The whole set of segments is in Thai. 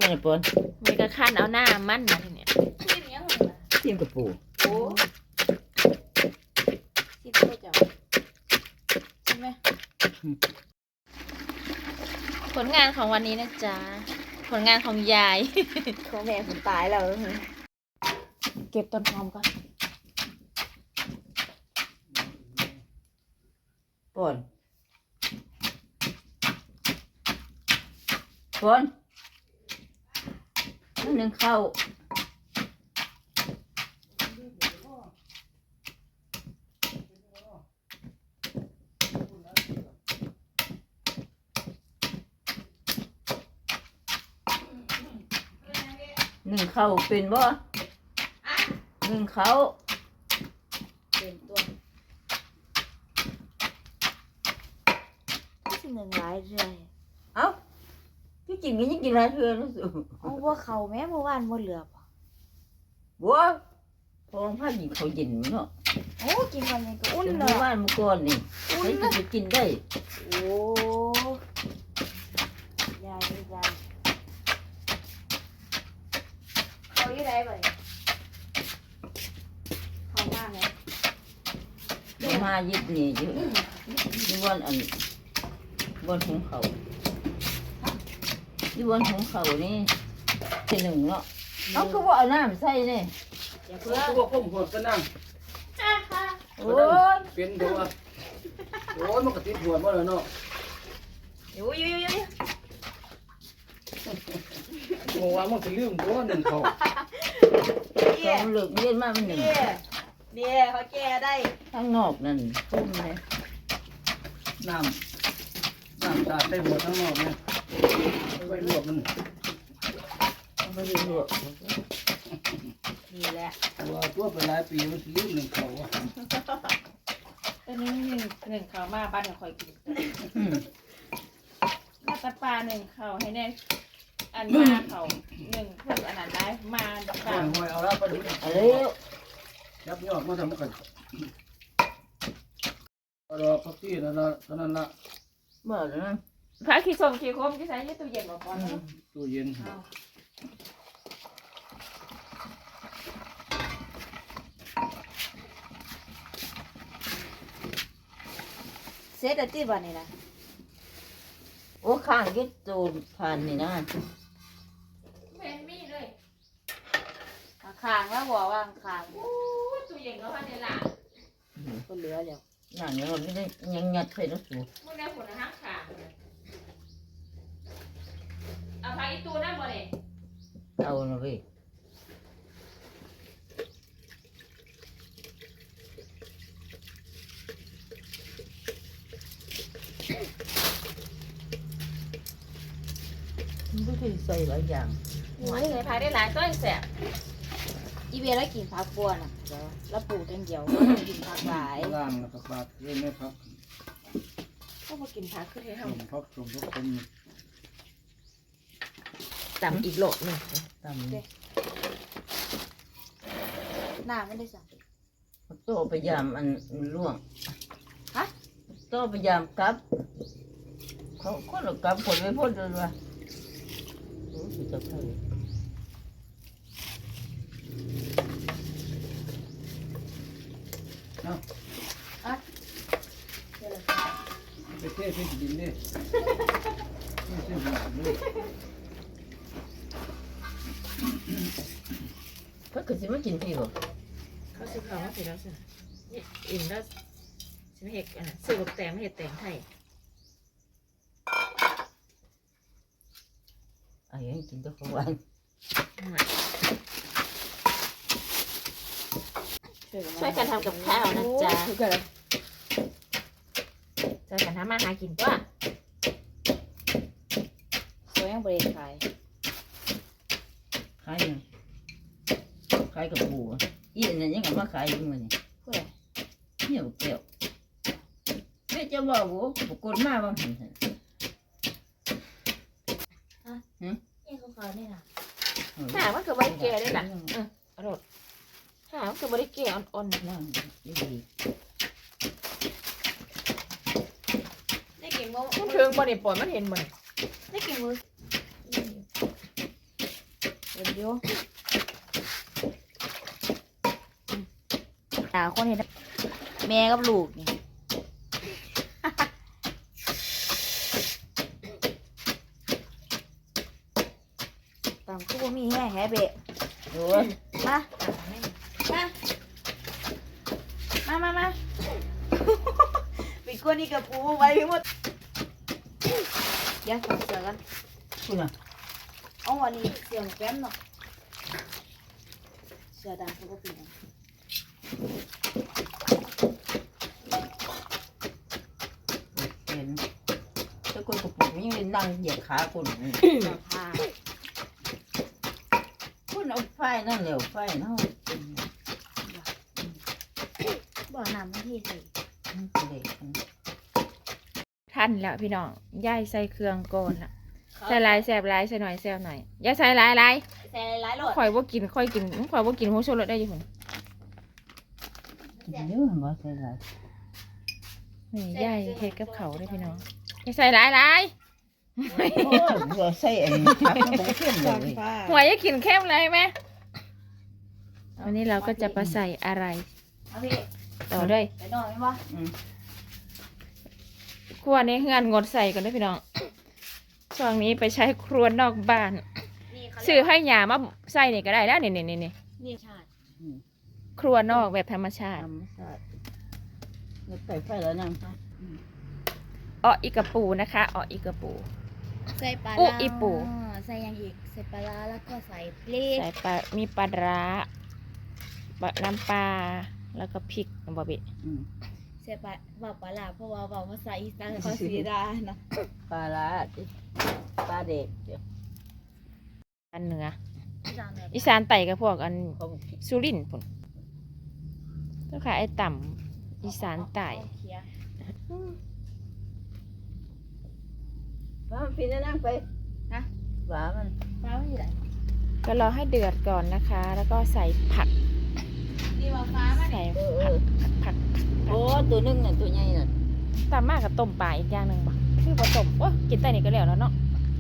ยังไงปอนมีกระคันเอาหน้ามันมาทีเนี้ยกินยังไงล่ะเทียมกับปูโอ้กินได้จ้ะใช่ไหมผลงานของวันนี้นะจ๊ะผลงานของยายของแม่ผมตายแล้วเก็บต้นหอมก่อนปอนนั่นนึงเข้าหนึ่งเข้าเป็นบ่หนึ่งเข้าเป็นตัวที่หนึ่งหลายเรื่อยเอ้าที่จริงก็ยังกินหลายเทื่อแล้วสิเอาบัวเขาแม่เมื่อวานบัวเหลือบบัวพอผ้าหญิงเขาเย็นเนาะโอ้กินวันนี้ก็อุ่นเลยบ้านเมื่อก่อนนี่ใช้จะกินได้โอ้ยายเขาอยู่ไหนบ่เขามากเลยมายิบนี่อยู่ที่วันอันวันของเขาที่วันของเขานี่เป็นหนึ่งเนาะเขาคือว่าเอาน้ำใส่เนี่ยอย่าเพิ่งพวกผมหดก็นั่งโอ้ยเป็นตัวโอ้ยมันก็ติดหัวมาแล้วเนาะอยู่โอ้ว่ามันจะลืมตัวหนึ่งเขาเขาเลิกเรียนมาเป็นหนึ่งเนี่ยเขาแก้ได้ข้างนอกนั่นพุ่มเลยน้ำตาได้หัวทั้งนอกเนี่ยไปรวบมันไม่ได้รวบนี่แหละตัวไปหลายปีมันลืมหนึ่งเขาตอนนี้หนึ่งข้าวมาบ้านเราคอยกินมาตะปลาหนึ่งข้าวให้แน่อันมาเขาหนึ่งเพิ่มอันนั้นได้มาปลาหอยเอาแล้วปลาดุกอะไรยับยอดมาทำกันรอพักที่นั่นละนั่นละเมื่อนะพระขี้ส้มขี้คมที่ใส่ในตู้เย็นบ่พอตู้เย็นเสร็จแล้วที่บ้านนี่นะโอ้ข้างยึดโจนผ่านนี่นะเป็นมีเลยขางแล้วบอกว่าขางตู้เย็นก็พันในหลังก็เหลือแล้วหนังเราไม่ได้ยังยัดใส่รถสูบมึงได้ผลนะฮะขาเอาพาอีตูนั่นบ่เนี่ยเอาหน่อยมันก็คือใส่หลายอย่างหัวใส่พายได้หลายต้นแสบอีเวลากินผักบัวน่ะเดี๋ยวแล้วปลูกกันเดียวกินผักหลายล่างแล้วก็ปาดเล่นไม่พักก็มากินผักขึ้นให้ทำพักตรงพวกคนต่ำอีกโหลดหนึ่งต่ำหน้าไม่ได้สั่งโตพยายามอันล่วงฮะโตพยายามกลับเขาคนละกลับผลไม่พ้นเลยว่ะโอ้สุดจะเข้าไปเทใส่ดินดิเพิ่งคือสิมากินพี่บ่เขาซื้อข้าวมาสิแล้วสิอิ่มแล้วสิไม่เห็ดซื้อแบบแตงไม่เห็ดแตงไทยอันนี้กินตัวของหวานช่วยกันทำกับข้าวนะจ๊ะช่วยกันทำมาหากินตัวสวยยังบริขายขายยังขายกับปูอีนั่นยังมาขายอยู่มื้อนี้เพื่อเนี่ยบุกเกี่ยวแม่จะบอกว่าบุกกดมาบางหันนี่เขาขายนี่นะหามันคือบริเกได้หรออร่อยหามันคือบริเกอ่อนๆนั่งดีได้กี่โมงมันถึงบ่ได้ปล่อยมันเห็นบ่ได้กี่โมงเดี๋ยวคนเห็นแม่กับลูกนี่ตามคู่มีแห่แห่เบะโอ้ยมาปิดกวนนี่กับปูไว้ทั้งหมดเดี๋ยวเสือกันคุณอ่ะเอาวันนี้เสือแก้มเนาะเสือดำเขาก็ปีนเห็นถ้าคนกระปุกนี่นั่งเหยียบขาคุณผ้าคุณเอาไฟนั่นเร็วไฟเนาะบ่อน้ำมันที่ใส่เด็กทันแล้วพี่น้องย่ายใส่เครื่องก่อนละใส่หลายแสบหลายใส่หน่อยแสบหน่อยอย่าใส่หลายใส่หลายๆโหลดข่อยว่ากินข่อยว่ากินหัวโชลดได้อยู่คนกินเยอะมาใส่ไรนี่ย่ายเฮ็ดกับเขาได้พี่น้องอย่าใส่หลายโอ้ยเราใส่อันนี้ทับมันเข้มเลยหัวอย่ากินเข้มเลยไหมวันนี้เราก็จะไปใส่อะไรเอาพี่ต่อด้วยไปนอนไหมวะครัวนี้งานงดใส่กันด้วยพี่น้องช่วงนี้ไปใช้ครัวนอกบ้านนี่เขาซื้อให้หยามาใส่นี่ก็ได้แล้วนี่นี่ชาติครัวนอกแบบธรรมชาติทำใส่เราใส่ไฟแล้วนั่งอ้ออีกระปูนะคะอ้ออีกระปูใส่ปลาอุ๊อีปู่ใส่ยังอีกใส่ปลาร้าแล้วก็ใส่พริกใส่ปลามีปลาร้าน้ำปลาแล้วก็พริกบะเบะใส่ปลาร้าเพราะว่าภาษาอีสานเขาสีดาเนาะปลาละปลาเด็กเดี๋ยวอันเหนืออีสานแบบอีสานไต่กับพวกอันเขาบอกผิดสุรินทร์พุ่นเจ้าค่ะไอ้ต่ำอีสานไต่เคี้ยวว่ามันปีนนั่งไปนะหวามันปลาไม่อยู่ไหนก็รอให้เดือดก่อนนะคะ แล้วก็ใส่ผักนี่ว่าฟ้ามาใส่เนี่ยผักโอ้ตัวนึงน่ะตัวใหญ่น่ะตามมากกับต้มปลาอีกอย่างหนึ่งบ่คือผสมโอ้กินแต่นี่ก็แล้วเนาะ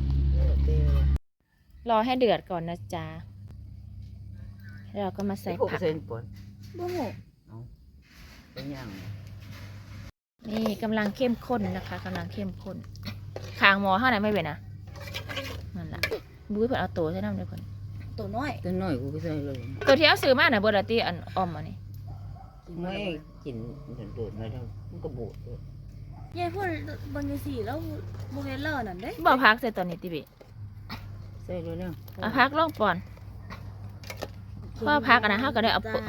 รอให้เดือดก่อนนะจ๊ะแล้วเราก็มาใส่หกผักเซนปอนบุ้งหูเป็นยังนี่กำลังเข้มข้นนะคะกำลังเข้มข้นคางหมอเท่าไหร่ไม่เป็นนะนั่นแหละบุ้ยเพิ่นเอาตัวใช่น้ำเดี๋ยวเพิ่นตัวน้อยตัวน้อยกูก็ใส่เลยตัวที่เอาซื้อมาน่ะเบอร์ละตีอันออมอันนี้ไม่กินโดดมาแล้วมันก็บูดเลยยายพูดบางทีแล้วโมเดลเลอร์นั่นเด้บ่พักใส่ตัวนี้ติบิใส่เลยเนี่ยเอาพักลงก่อนเพราะพักอันนั้นเฮาก็ได้เอาปะ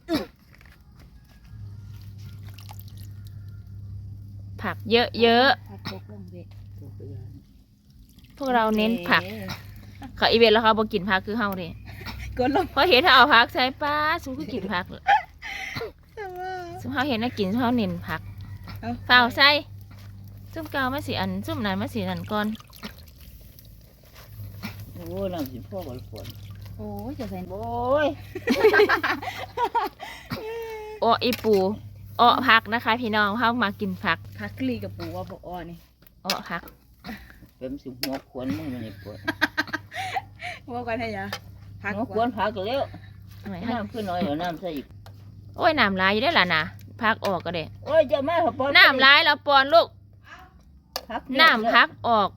ผักเยอะผักตกลงเบ็ดๆพวกเราเน้นผักเขาอีเวนต์แล้วเขาบ่กินผักคือเฮาเด้กดลงพอเห็นถ้าเอาผักใส่ป้าซุคือกินผักซุเฮาเห็นน่ากินซุเฮาเน้นผักเปล่าใส่ซุ่มเกามาสิอันซุ่มนั้นมาสินั่นก่อนโอ้น้ำสิพ่อบอลฝนโอ้ยจะใส่โอ้ยโอ้อีปูอ้อผักนะคะ พี่น้องเฮามากินผักผักกลีกับปูว่าพออ้อนี่อ้อผักเป็นสิหัวขวนมึงมันนี่ปวดว่ากันให้ยาผักหัวขวนพักแล้วหน่อยให้น้ำขึ้นหน่อยเดี๋ยวน้ำใส่อีกโอ้ยน้ำลายอยู่ได้อล่ะนะพักออกก็ได้โอ้ยจะมาปอนน้ำลายแล้วปอนลูกพักน้ำพักออก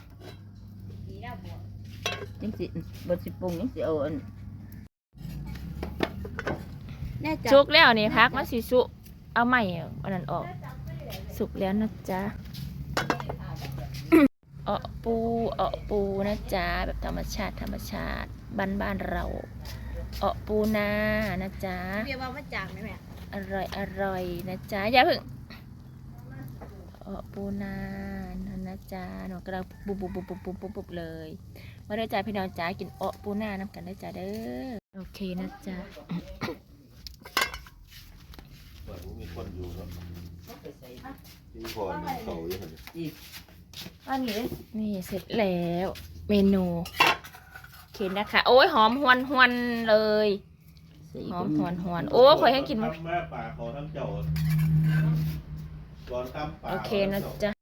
ยังสิบดสิปรุงยังสิเอาอันแน่ใจสุกแล้วนี่พักมาสิสุเอาไม้อันนั้นออก สุกแล้วนะจ๊ะปูนะจ๊ะแบบธรรมชาติบ้านเราปูนานะจ๊ะเรียกว่ามาจากไหมแม่อร่อยนะจ๊ะอย่าเพิ่งปูนานะจ๊ะหนูกำลังบุบเลยมาได้จ้าพี่น้องจ๋ากินปูนาน้ำกันได้จ้าเด้อโอเคนะจ๊ะมีคนอยู่ครับที่พอเขาอยู่ครับอันนี้เลยนี่เสร็จแล้วเมนูโอเคนะคะโอ้ยหอมหวนเลยหอมหวนโอ้ยคอยให้กินทำแม่ป่าเขาทั้งเจ้าก่อนทำป่าโอเคนะจ๊ะ